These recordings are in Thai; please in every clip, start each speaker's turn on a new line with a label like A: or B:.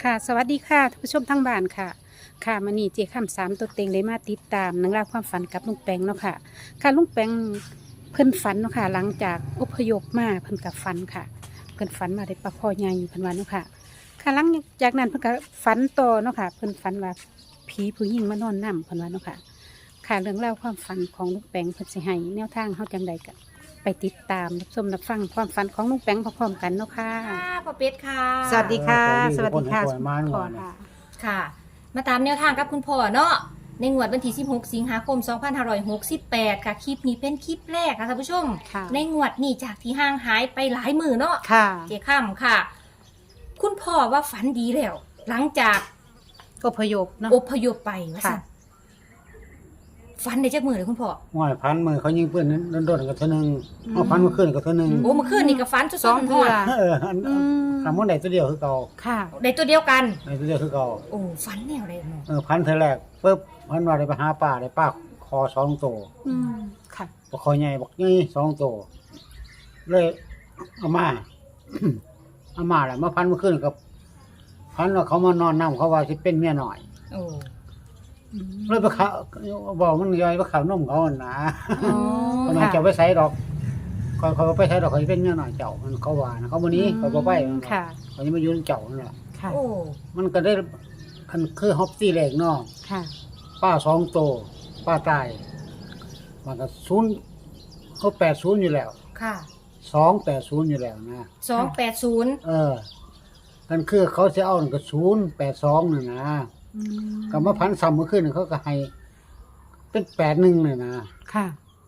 A: ค่ะสวัสดีค่ะท่านผู้ชมทั้งบ้านค่ะค่ะมื้อนี้เจ๊ค่ำสามตัวเต็งได้มาติดตามนังราวความฝันกับลุงแปงเนาะค่ะค่ะลุงแปงเพิ่นฝันเนาะค่ะหลังจากอพยพมาเพิ่นกับฝันค่ะเพิ่นฝันมาได้ปลาคอใหญ่เพิ่นว่าเนาะค่ะค่ะหลังจากนั้นเพิ่นก็ฝันต่อเนาะค่ะเพิ่นฝันว่าผีผู้หญิงมานอนนํเพิ่นว่าเนาะค่ะค่ะเรื่องราวความฝันของลุงแปงเพิ่นสิให้แนวทางเฮาจังใดก็ไปติดตามรับชมรับฟังความฝันของลุงแปงพร้อมๆกันเนาะค่ะ
B: ค่ะพ่อเป็ดค่ะ
A: สวัสดีค่ะ
C: สวัสดีค่ะ
A: สวัสดี
C: มาหน่
A: พ่อ
C: อยนะ
A: ค่ะ
B: ค่ะ มาตามแนวทางกับคุณพ่อเนาะในงวดวันที่16 สิงหาคม 2568 ค่ะคลิปนี้เป็นคลิปแรกค่ะท่านผู้ชม
A: ค่ะ
B: ในงวดนี้จากที่ห่างหายไปหลายมือเนาะ
A: ค่ะ
B: เจ้ค่ำค่ะ คุณพ่อว่าฝันดีแล้ว หลังจาก
A: อพยพเนาะ
B: อพยพไปว่า
A: ค่ะ
B: ซั่นฝันได้จักมือเลยคุณพ่อ
C: ว่าพันมือเขายิงปืนโดนๆกับเท่านึงเอาพันมาขึ้นกับเท่านึง
B: โอ้เมื่อคืนนี่ก็ฝันส
A: สอง
B: ดๆ
A: เทื่
B: ร้
A: อ
B: อน
C: อัน
A: อืม
C: ทำมันได้ตัวเดียวคือเก่า
A: ค่ะ
B: ๆได้ตัวเดียวกัน
C: ได้ตัวเดียวคือเก่า
B: โอ้ฝันแนวใดเนาะ
C: พันเธอแรกปุ๊บพันว่าได้ไปหาป่าได้ป้าคอสองตัว
A: อืมค่ะ
C: ปลาคอใหญ่บอกนี่สองตัวเลยเอามา เอามาแหละมาพันมาขึ้นกับพันว่าเขามานอนน้ำเขาว่าสิเป็นเมียหน่อย
B: โอ้
C: เลยไปเขาบอกมันย่อยไปข่าวนมเขาหั่นนะ
A: อ๋อ
C: ทำไมจะไปใส่ดอกเขาไปใส่ดอกเขาจะเป็นเมียหน่อยเจ้ามันเขาว่านะเขาวันนี้เขาบอกไป
A: ค่ะ
C: เขาจะมายืนเจ้านั่นแหละ
A: ค่ะ
B: โอ้
C: มันก็ได้คันคือฮอปซี่แรกเนาะ
A: ค่ะ
C: ป้าสองโตป้าตายมันก็เขา80อยู่แล้ว
B: ค่ะ
C: 280อยู่แล้วนะ
B: 280
C: เออกันคือเขาจะเอานั่นก็082นี่นะ
A: อืม
C: ก็มาพันซ้ำเมื่อคืนเขาก็ให้เป็น81นี่นะ
A: ค่ะ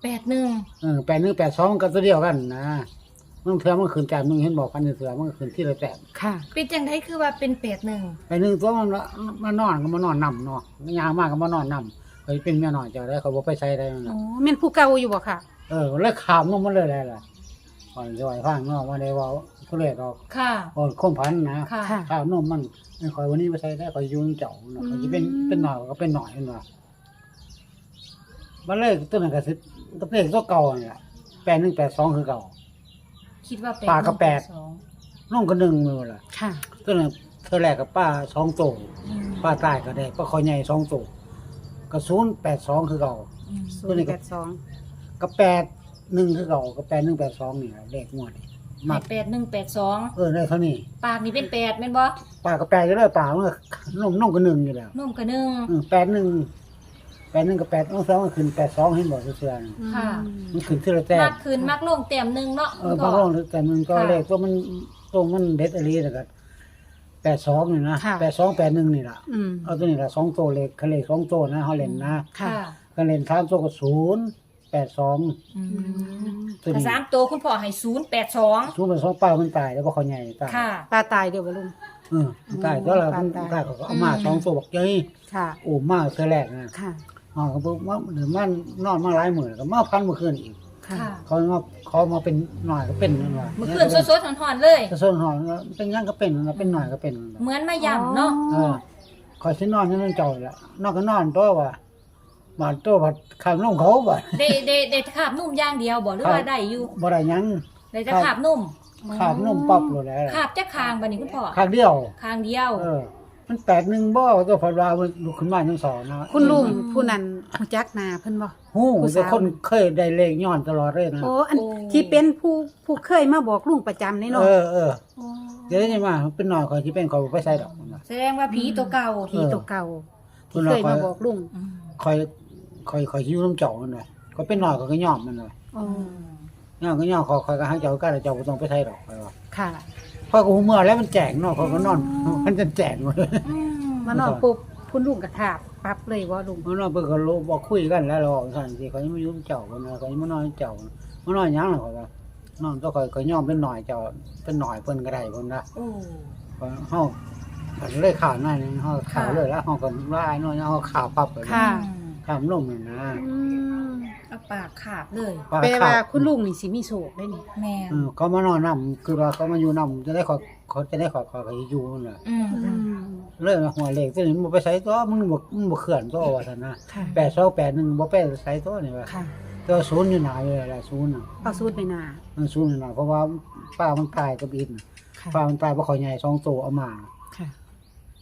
B: 81
C: 81 82ก็ตัวเดียวกันนะมันเถื่อมันขึ้นจากมึงเห็นบอกพันเถื่อมันก็ขึ้นที่ละแต้ม
A: ค่ะ
B: เป็นจังไดคือว่าเป็น81
C: 81ตัวมันมานอนก็มานอนนำเนาะยางมากก็มานอนนำเขาเป็นเมียน้อยเจ้าได้เขาบ่ไปใช้ได้นั่น
A: อ๋อ
C: น่ะ
A: แม่นผู้เก่าอยู่บ่ค่ะ
C: แล้วขามลงมาเลยแหละก่อนจะไหวฟังเนาะมาได้เว่าผู้เล่ดอก
B: ค่ะ
C: ก่อนคมพันนะ
B: ค่ะ
A: ค่ะ
C: ข้าวนมมันไม่ค่อยวันนี้ไปใช้ได้ค่อยอยุ่งเจ้าเนาะเขาจะเป็นหน่อยก็เป็นหน่อยนั่นว่ามันเลยตัวนั้นก็สิตัวเลขตัวเก่าเนี่ย8182คือเก่า
B: คิดว่า
C: ปลาก็แปด
B: 2
C: น้องก็1มือล่ะ
A: ค่ะ
C: ตัวนั้นเธอแรกกับป้า2ตัวป้าตายก็ได้ป้าคอใหญ่2ตัวก็082คือเก่า
A: ศูนย์แปดสอง
C: ก็81คือเก่าก็8182นี่แหละเลขงวดนี่มั
B: ให้
C: ก
B: 8182
C: ได้เท่านี้
B: ปากนี่เป็น8แม่นบ่
C: ป้าก็แปลอยู่แล้วป้ามันก็น้องก็1อยู่แล้ว
B: นมก็
C: 81กับ8องศามันขึ้น82เห็นบ่เสื้อๆน่ะ
B: ค่ะ
C: มันขึ้นทีละแต้
B: ๆ
C: ม
B: มักขึ้นมักลงแต้มหนึงเนาะ
C: บางรอบแต่มันก็เลขตัวมันเด็ดอะไรแต่ก็82นี่นะ82 81นี่ล่ะ
A: อืม
C: เอาตัวนี้ล่ะ2ตัวเลขเลข2ตัวนะเฮาเล่นนะ
A: ค่ะ
C: ก็เล่น3ตัวก็082
B: อืม
C: ตัว
B: ถ้า
C: นี้
B: สามตัวคุณพ่อให้082
C: 082ป้ามันตายแล้วบ่เขาใหญ่ตาย
B: ค่ะ
A: ปลาตายเดี๋ยวบ่ลุง
C: มันตายตัวละมันตายเขาก็เอามา2ตัวบอกเจ้ย
A: ค่ะ
C: โอ้มาเทื่อแรกนะ
A: ค่ะ
C: อ๋อก็บอกว่าเดี๋ยวมันนอนมาหลายมื้อแล้วก็มาพันเมื่อคืนอีก
A: ค่ะ
B: ค่ะ
C: เขามาเป็นหน่อยก็เป็นนั่นว่า
B: เมื่อคืนสดๆหอนๆเลย
C: จะส่วนหอยเป็นหยังก็เป็นนั่นล่ะเป็นหน่อยก็เป็นนั่นล่ะ
B: เหมือนมาย่ำเนาะ
C: คอยสินอนอยู่นั่นเจ้าละนอนก็นอนตัวว่าบาดตัวบาดข้ามลงเขาบ่า
B: ได้คาบนุ่มอย่างเดียวบ่หรือว่าได้อยู่
C: บ่ได้หยัง
B: ได้จะคาบนุ่ม
C: ข้ามนมปั๊บเลยแหละ
B: คาบจะคางบัดนี้คุณพ่อ
C: ข้างเดียว
B: คางเดียว
C: มัน8-1บ่ตัวพอว่ามันลุกขึ้นมาจังสองนะ
A: คุณลุงผู้นั้นรู้จักหน้าเพิ่นบ่
C: ฮู้
A: ผู้
C: แต่
A: สาว
C: คนเคยได้เลขย้อนตลอดเลยนะ
A: โอ้อันที่เป็นผู้เคยมาบอกลุงประจำนี่เนาะ
C: เดี๋ยวนี้มาเป็นหน่อยเขาสิเป็นเขาบ่ไปใส่ดอกมันว่า
B: แสดงว่าผีตัวเก่า
A: ผีตัวเก่าที่เคยมาบอกลุง
B: อืม
C: คอยอยู่น้ำเจ้ามันว่าก็เป็นหน่อยเขาก็ยอมมันว่า
A: อ๋อ
C: ย่อมก็ย่อมคอยก็ให้เจ้าก็เจ้าบ่ต้องไปใส่ดอกไปว่า
A: ค่ะ
C: พอกูเมื่อแล้วมันแจกเนาะเขาก็นอนมันจะแจกหมดเลย
B: อืม
A: มานอนปุ๊บคุณลุงกระถาบปั๊บเลยว่าลุง
C: มันนอนเพิ่นก็รู้บอกคุยกันแล้วเราบอกสั่นสิเขายังมายุ่งเจ้ากันนะเขายังมานอนเจ้านะมานอนหยังล่ะเขาว่านอนตัวเขาย่อมเป็นหน่อยเจ้าเป็นหน่อยเพิ่นก็ได้เพิ่นนะ
B: โอ้
C: เฮาเลยข่าวนั่นเฮาข่าวเลยแล้วเฮาก็ว่าไอ้น้อยเฮาข่าวปั๊บเลย
A: ค่ะ
C: ข่าวลงนั่นนะ
A: อืม
B: เอาปากขาบเลย
A: แปลว่าคุณลุงนี่สิมีโชคได้นี่
B: แม่น
C: เขามานอนนำคือว่าเขามาอยู่นำจะได้เขาจะได้ขออยู่นั่นน่ะ
B: อืม
A: อืม
C: เลยหัวเลขตัวนี้มันบ่ไปใส่ตัวมึงบ่เคลื่อนตัวว่าซั่นนะ
A: ค่ะ
C: 8281บ่ไปใส่ตัวนี่ว่า
A: ค่ะ
C: ตัวศูนย์อยู่หนาอยู่แล้วศูนย์น่ะ
A: เอาสูตรไปนา
C: มันศูนย์อยู่หนาเพราะว่าป้ามันตายกับอิน
A: ค่ะ
C: ป้ามันตายเพราะเขาใหญ่2ตัวเอามา
A: ค่ะ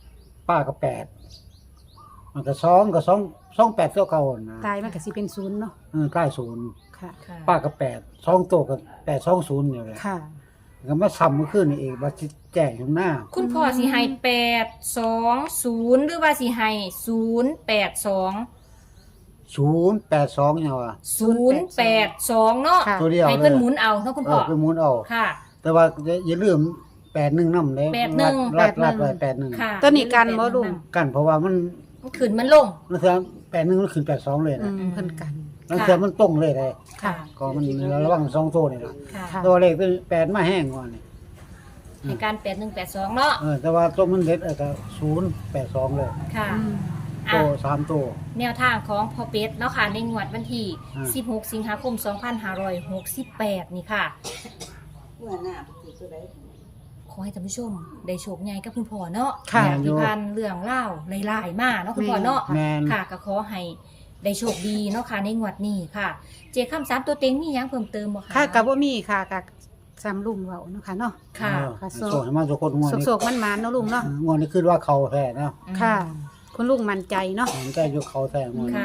C: ป้าก็มันก็2 8เท่าเก่านะ
A: ตายมันก็สิเป็นศูนย์เนาะ
C: ใกล้ศูนย์
A: ค่ะ
B: ค่ะ
C: ป้าก็2ตัวก็820นี่แหละ
A: ค่ะ
C: ก็มาซ้ำเมื่อคืนนี่เองว่าสิแจ้งอยู่หน้า
B: คุณพ่อสิให้820หรือว่าสิให้082
C: 082เนี่ยว่า
B: 082เนาะ
A: ค่ะ
C: ตัวเดียว
B: ให้
C: เล
B: เพิ่
C: ย
B: นหมุนเอาเนาะคุณพ่อ
C: ไปหมุนเอา
B: ค่ะ
C: แต่ว่าอย่าลืม81นำเด้
B: 81
C: รัดไว้81
B: ค่ะ
A: ตัวนี้กันบ่ลุง
C: กันเพราะว่ามัน
B: มันขึ้นมันลง
C: มันคือ81มันขึ้น82เลย
A: อื
C: นะ
A: มเพิ่นกัน
C: มันคือมันตรงเลยได้
A: ค่ะ
C: ก็มันระวัง2ตัวนี่ล่ะ
B: ค่ะ
A: ค่ะ
C: ตัวเลขเป็น8มาแห้งกว่านี่
B: ให้การ8182เนาะ
C: แต่ว่าตัวมันเด็ดก็082เลย
B: ค่ะ
A: อืม
B: อ่ะ
C: ตัว3ตัว
B: แนวทางของพ่อเป็ดเนาะค่ะในงวดวันที่
C: อ่า
B: 16 สิงหาคม 2568 นี่ค่ะ
D: เมื่อหน้าปฏิตัวใด
B: ขอให้ท่านผู้ชมได้โชคใหญ่กับคุณพ่อเนาะ
A: ค่ะ
B: ที่พันเรื่องเล่าวหลายๆมากเนาะคุณพ่อเนาะ
C: แม่น
B: ค่ะก็ขอให้ได้โชคดีเนาะค่ะในงวดนี้ค่ะ เจคำ3ตัวเต็งมีหยังเพิ่มเติมบ่คะ
A: ค่ะกับว่ามีค่ะกับซ้ำลุงเว้าเนาะค่ะเนาะ
B: ค่ะ
A: ค่ะ
C: โซ่ให้มาทุกคนงวดนี้
A: โศกๆมันๆเนาะลุงเนาะ
C: งวดนี้คือว่าเขาแท้เนาะ
A: ค่ะ คุณลุงมั่นใจเนาะ
C: ผมใจอยู่เขาแท้งวดนี้
B: ค่ะ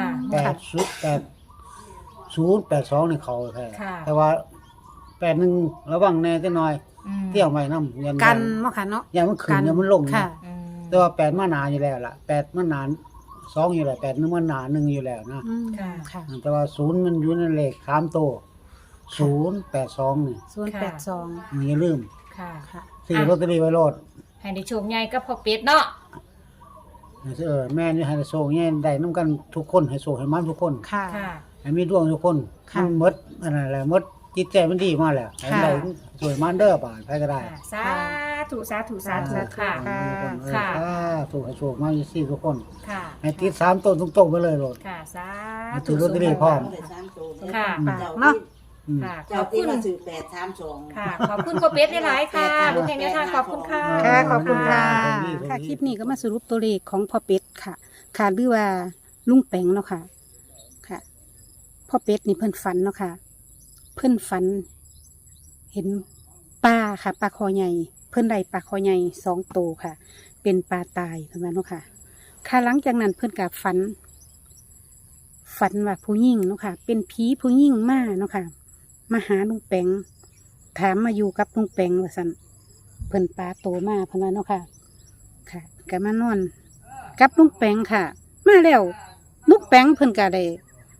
C: 082นี่เขาแท้
B: ค่ะ
C: แต่ว่า81ระวังแน่จักหน่อย
B: อืม
C: เที่ยวใหม่นำยัน
A: กันเนาะค่ะเนาะ
C: ยันมันขึ้นยันมันลง
A: ค่ะ
B: อืม
C: แต่ว่า8มาหนาอยู่แล้วล่ะ8มาหนา2อยู่แล้ว8นึงมันหนา1อยู่แล้วนะ
A: อืม
B: ค่ะ
A: ค่ะ
C: แต่ว่า0มันอยู่ในเลข3ตัว082นี่
A: 082
C: อย่าลืม
B: ค่ะ
A: ค่ะ
C: ซื้อลอตเตอรี่ไว้โลด
B: ให้ได้โชคใหญ่กับพ่อเป็ดเนาะ
C: แม่นี่ให้โชคแย่ได้นํกันทุกคนให้โชคให้มันทุกคน
A: ค่ะ
B: ค่ะ
C: ให้มีดวงทุกคน
A: ค่ะ
C: มันหมดอันนั้นแหละหมดจิตใจมันดีมาแล้วให้
A: ค่ะ
C: ได้สวยมันเด้อบาดไปก็ได้
B: ค่ะสาธุสาธุสาธุ
A: สาธุ
B: ค่ะ
A: ค่ะ
B: ค่ะ
C: ถูกให้โชคมาสี่ทุกคน
B: ค่ะ
C: ให้ติด3ต้นทุกๆไปเลยโลด
B: ค่ะสา
C: ให้
B: ธุ
C: ถือลอตเตอรี่พร้อม
D: ได้3ตัว
B: ค่ะ
A: ปากเนาะ
C: อืม
B: ค่ะ ข
D: เจ้า
B: อบ
D: ที่
B: คุณ
D: มาซื้อ832
B: ค่ะ ขอบคุณพ่อเป็ดหลายๆค่ะลูกแห่งแนวทางขอบคุณค่ะ
A: ค่ะขอบคุณค่ะ
C: ขอบคุณค่ะ
A: ค่ะคลิปนี้ก็มาสรุปตัวเลขของพ่อเป็ดค่ะ ค่ะหรือว่าลุงแปงเนาะค่ะ ค่ะพ่อเป็ดนี่เพิ่นฝันเนาะค่ะ เพิ่นฝัน เห็นปลาค่ะปลาคอใหญ่ เพิ่นได้ปลาคอใหญ่2ตัวค่ะ เป็นปลาตายเพิ่นว่าเนาะค่ะ ค่ะหลังจากนั้นเพิ่นกับฝันว่าผู้หญิงเนาะค่ะ เป็นผีผู้หญิงมาเนาะค่ะ มาหาลุงแปงถามมาอยู่กับลุงแปงว่าซั่นเพิ่นปลาโตมาเพิ่นว่าเนาะค่ะ ค่ะก็มานอนกับลุงแปงค่ะ มาแล้วลุงแปงเพิ่นก็ได้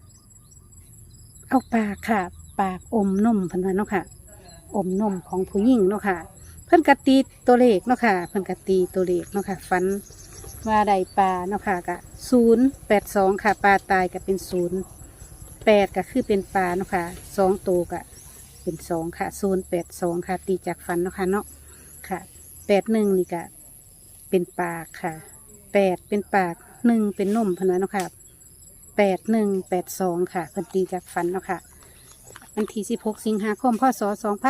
A: เอาปากค่ะ ปากอมนมเพิ่นว่าเนาะค่ะ อมนมของผู้หญิงเนาะค่ะ เพิ่นก็ตีตัวเลขเนาะค่ะ เพิ่นก็ตีตัวเลขเนาะค่ะฝันว่าได้ปลาเนาะค่ะก็082ค่ะปลาตายก็เป็น08ก็คือเป็นปลาเนาะค่ะ2ตัวก็เป็น2ค่ะ082ค่ะ ตีจากฝันเนาะค่ะเนาะค่ะ81นี่ก็เป็นปากค่ะ8เป็นปาก1เป็นนมเพิ่นว่าเนาะค่ะ8182ค่ะเพิ่นตีจากฝันเนาะค่ะวันที่16 สิงหาคมพศ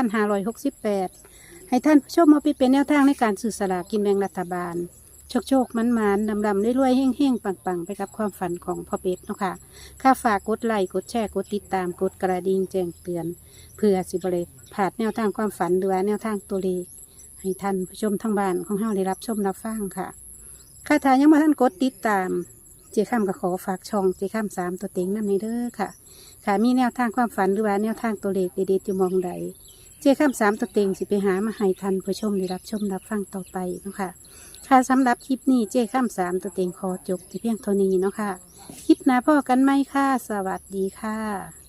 A: 2568 ให้ท่านผู้ชมมาไปเป็นแนวทางในการสื่อสลากกินแบ่งรัฐบาล โชคมันดำรวยๆเฮ่งๆปังๆ ไปกับความฝันของพ่อเป็ดเนาะค่ะค่าฝากกดไลค์กดแชร์กดติดตามกดกระดิ่งแจ้งเตือน เพื่อสิบเลยผ่านแนวทางความฝันหรือว่าแนวทางตัวเลขให้ท่านผู้ชมทางบ้านของเฮาได้รับชมรับฟังค่ะค่าทายังมาท่านกดติดตาม เจ้าข้ามก็ขอฝากช่องเจ้าข้าม3ตัวเต็งนำในเด้อค่ะค่ะมีแนวทางความฝันหรือว่าแนวทางตัวเลขเด็ดๆอยู่มองใด เจ้าข้าม3ตัวเต็งสิไปหามาให้ท่านผู้ชมได้รับชมรับฟังต่อไปเนาะค่ะค่ะสำหรับคลิปนี้เจ้าข้าม3ตัวเต็งขอจบที่เพียงเท่านี้เนาะค่ะคลิปหน้าพ่อกันไหมค่ะสวัสดีค่ะ